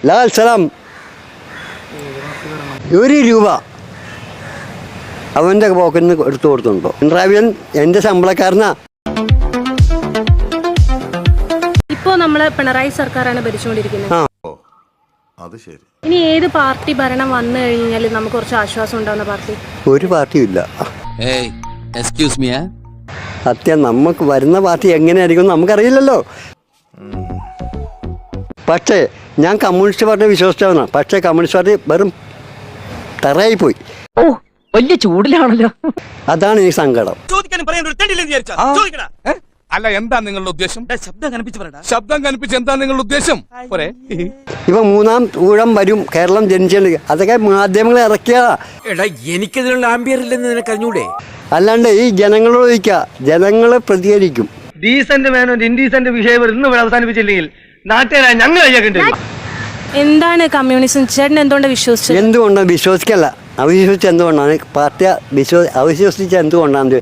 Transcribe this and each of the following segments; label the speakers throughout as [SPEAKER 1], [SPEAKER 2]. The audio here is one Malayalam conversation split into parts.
[SPEAKER 1] ലാൽ സലാം 1 രൂപ അവൻ്റെ പോക്കറ്റിൽ നിന്ന് എടുത്തു കൊടുത്തുണ്ടോ? പിണറായി വിജയൻ എൻ്റെ ശമ്പളക്കാരനാ.
[SPEAKER 2] ഇപ്പോൾ നമ്മള് പിണറായി സർക്കാരാണ് ഭരിച്ചുകൊണ്ടിരിക്കുന്നത്.
[SPEAKER 3] അത് ശരി.
[SPEAKER 2] ഇനി ഏത് പാർട്ടി ഭരണം വന്നു കഴിഞ്ഞാൽ നമുക്ക് കുറച്ച് ആശ്വാസം ഉണ്ടാവുന്ന പാർട്ടി?
[SPEAKER 1] ഒരു പാർട്ടിയും ഇല്ല.
[SPEAKER 4] എക്സ്ക്യൂസ് മീ,
[SPEAKER 1] സത്യം, നമുക്ക് വരുന്ന പാർട്ടി എങ്ങനെയായിരിക്കും നമുക്കറിയില്ലല്ലോ. പക്ഷേ ഞാൻ കമ്മ്യൂണിസ്റ്റ് പാർട്ടിയെ വിശ്വസിച്ചവനാണ്. പക്ഷേ കമ്മ്യൂണിസ്റ്റ് പാർട്ടി വെറും തറയായിപ്പോയി.
[SPEAKER 5] ഓ, വലിയ ചൂടിലാണല്ലോ.
[SPEAKER 1] അതാണ് ഈ സങ്കടം.
[SPEAKER 6] അല്ല, എന്താ നിങ്ങളുടെ ഉദ്ദേശം? ശബ്ദം കനിപ്പിച്ച് എന്താ നിങ്ങളുടെ ഉദ്ദേശം?
[SPEAKER 1] ഇപ്പൊ 3-ാം ഊഴം വരും, കേരളം ജനിച്ചത്. അതൊക്കെ മാധ്യമങ്ങൾ ഇറക്കിയതാ.
[SPEAKER 4] എനിക്കതിനുള്ള ആംബിയർ ഇല്ലെന്ന് നിനക്ക് അറിഞ്ഞൂടെ?
[SPEAKER 1] അല്ലാണ്ട് ഈ ജനങ്ങളോട് ചോദിക്കുക, ജനങ്ങൾ പ്രതികരിക്കും.
[SPEAKER 7] ഡീസന്റ് മാനോ ഇൻഡീസന്റ് വിഷയം ഇന്ന് അവസാനിപ്പിച്ചില്ലെങ്കിൽ നാട്ടുകാരായ ഞങ്ങൾ
[SPEAKER 2] എന്താണ് കമ്മ്യൂണിസം? ചേട്ടൻ എന്തുകൊണ്ടാണ് വിശ്വസിച്ചത്?
[SPEAKER 1] എന്തുകൊണ്ടാണ് വിശ്വസിക്കല്ല, അവിശ്വസിച്ച് എന്തുകൊണ്ടാണ് പാർട്ടി അവിശ്വസിച്ച് എന്തുകൊണ്ടാണ്?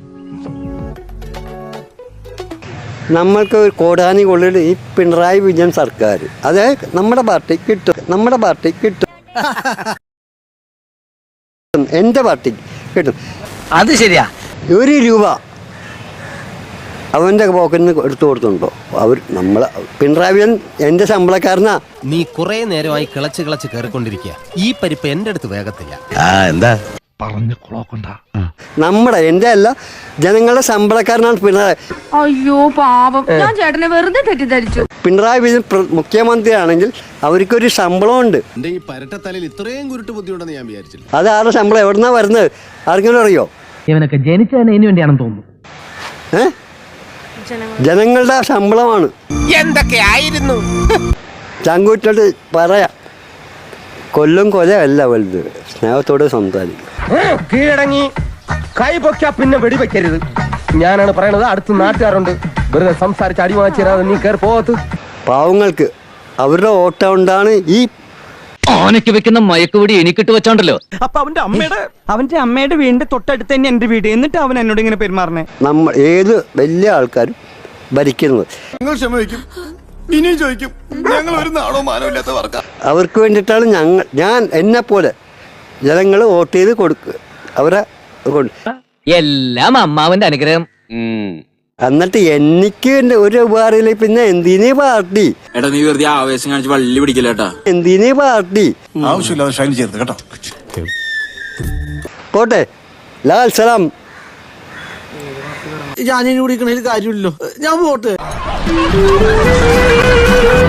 [SPEAKER 1] നമ്മൾക്ക് ഒരു കോടാനി കൊള്ളിൽ ഈ പിണറായി വിജയൻ സർക്കാർ, അത് നമ്മുടെ പാർട്ടി കിട്ടും, നമ്മുടെ പാർട്ടി കിട്ടും, എൻ്റെ പാർട്ടി കിട്ടും.
[SPEAKER 5] അത് ശരിയാ.
[SPEAKER 1] 1 രൂപ അവൻ്റെ പോക്കറ്റിൽ നിന്ന് എടുത്തു കൊടുത്തുണ്ടോ? പിണറായി വിജയൻ എൻ്റെ ശമ്പളക്കാരനാ.
[SPEAKER 4] നീ കുറെ നേരമായി കിളച്ച് കയറിക്കൊണ്ടിരിക്കുക. ഈ പരിപ്പ് എന്റെ അടുത്ത് വേഗത്തില്ല.
[SPEAKER 3] എന്താ
[SPEAKER 1] നമ്മുടെ എൻ്റെ അല്ല, ജനങ്ങളുടെ ശമ്പളക്കാരനാണ് പിണറായി.
[SPEAKER 8] അയ്യോ പാപം, ഞാൻ ചേട്ടനെ വെറുതെ തെറ്റിദ്ധരിച്ചു.
[SPEAKER 1] പിണറായി വിജയൻ മുഖ്യമന്ത്രിയാണെങ്കിൽ അവർക്കൊരു ശമ്പളമുണ്ട്.
[SPEAKER 4] എന്റെ ഈ പരട്ടത്തലയിൽ ഇത്രയും കുരുട്ട് ബുദ്ധിയുണ്ടെന്ന് ഞാൻ വിചാരിച്ചില്ല.
[SPEAKER 1] അത് ആരുടെ ശമ്പളം എവിടുന്നാ വരുന്നത്? ആർക്കെങ്കിലും അറിയോ?
[SPEAKER 5] ഇവനൊക്കെ ജനിച്ചതിന് ഇതിനു വേണ്ടിയാണെന്ന് തോന്നുന്നു.
[SPEAKER 1] ജനങ്ങളുടെ ശമ്പളമാണ്.
[SPEAKER 4] എന്തൊക്കെയായിരുന്നു
[SPEAKER 1] ചങ്കൂറ്റിട്ട് പറയാം. കൊല്ലും കൊലയല്ല വലുത്, സ്നേഹത്തോട് സംസാരിക്കും.
[SPEAKER 7] കീഴടങ്ങി കൈ പൊക്കാ പിന്നെ വെടിവെക്കരുത്. ഞാനാണ് പറയണത്. അടുത്ത് നാട്ടുകാരുണ്ട്, വെറുതെ സംസാരിച്ച് അടി വാങ്ങിച്ചാൽ നീ കയറി പോകത്ത്.
[SPEAKER 1] പാവങ്ങൾക്ക് അവരുടെ ഓട്ടം കൊണ്ടാണ് ഈ
[SPEAKER 5] ഓനക്ക് വെക്കുന്ന മയക്കുപിടി എനിക്കിട്ട് വെച്ചോണ്ടല്ലോ.
[SPEAKER 7] അപ്പൊ അവന്റെ അമ്മയുടെ വീടിന്റെ തൊട്ടടുത്ത് തന്നെ എന്റെ വീട്. എന്നിട്ട് അവൻ എന്നോട് ഇങ്ങനെ പെരുമാറണേ.
[SPEAKER 1] നമ്മൾ ഏത് വലിയ ആൾക്കാരും ഭരിക്കുന്നത്
[SPEAKER 3] നിങ്ങൾ ക്ഷമിക്കും, ഇനിയും ചോദിക്കും. ഞങ്ങൾ ഒരു നാടോ മാനമില്ലാത്ത വർക്കാ.
[SPEAKER 1] അവർക്ക് വേണ്ടിയിട്ടാണ് ഞാൻ എന്നെ പോലെ ജനങ്ങൾ വോട്ട് ചെയ്ത് കൊടുക്കുക. അവരെ
[SPEAKER 5] എല്ലാം അമ്മാവന്റെ അനുഗ്രഹം.
[SPEAKER 1] എന്നിട്ട് എനിക്ക് ഒരു ഉപകാരമില്ല. പിന്നെ എന്തിനീ പാർട്ടി?
[SPEAKER 4] എടാ, നീ വെറുതെ ആവേശം കാണിച്ച് വള്ളി പിടിക്കില്ലേട്ടാ.
[SPEAKER 1] എന്തിനീ പാർട്ടി?
[SPEAKER 3] ആവശ്യമില്ലാതെ ഷൈൻ ചെയ്യരുത് കേട്ടോ.
[SPEAKER 1] പോട്ടെ, ലാൽ സലാം.
[SPEAKER 4] ഞാൻ കുടിക്കണതിൽ കാര്യമില്ലല്ലോ, ഞാൻ പോട്ടെ.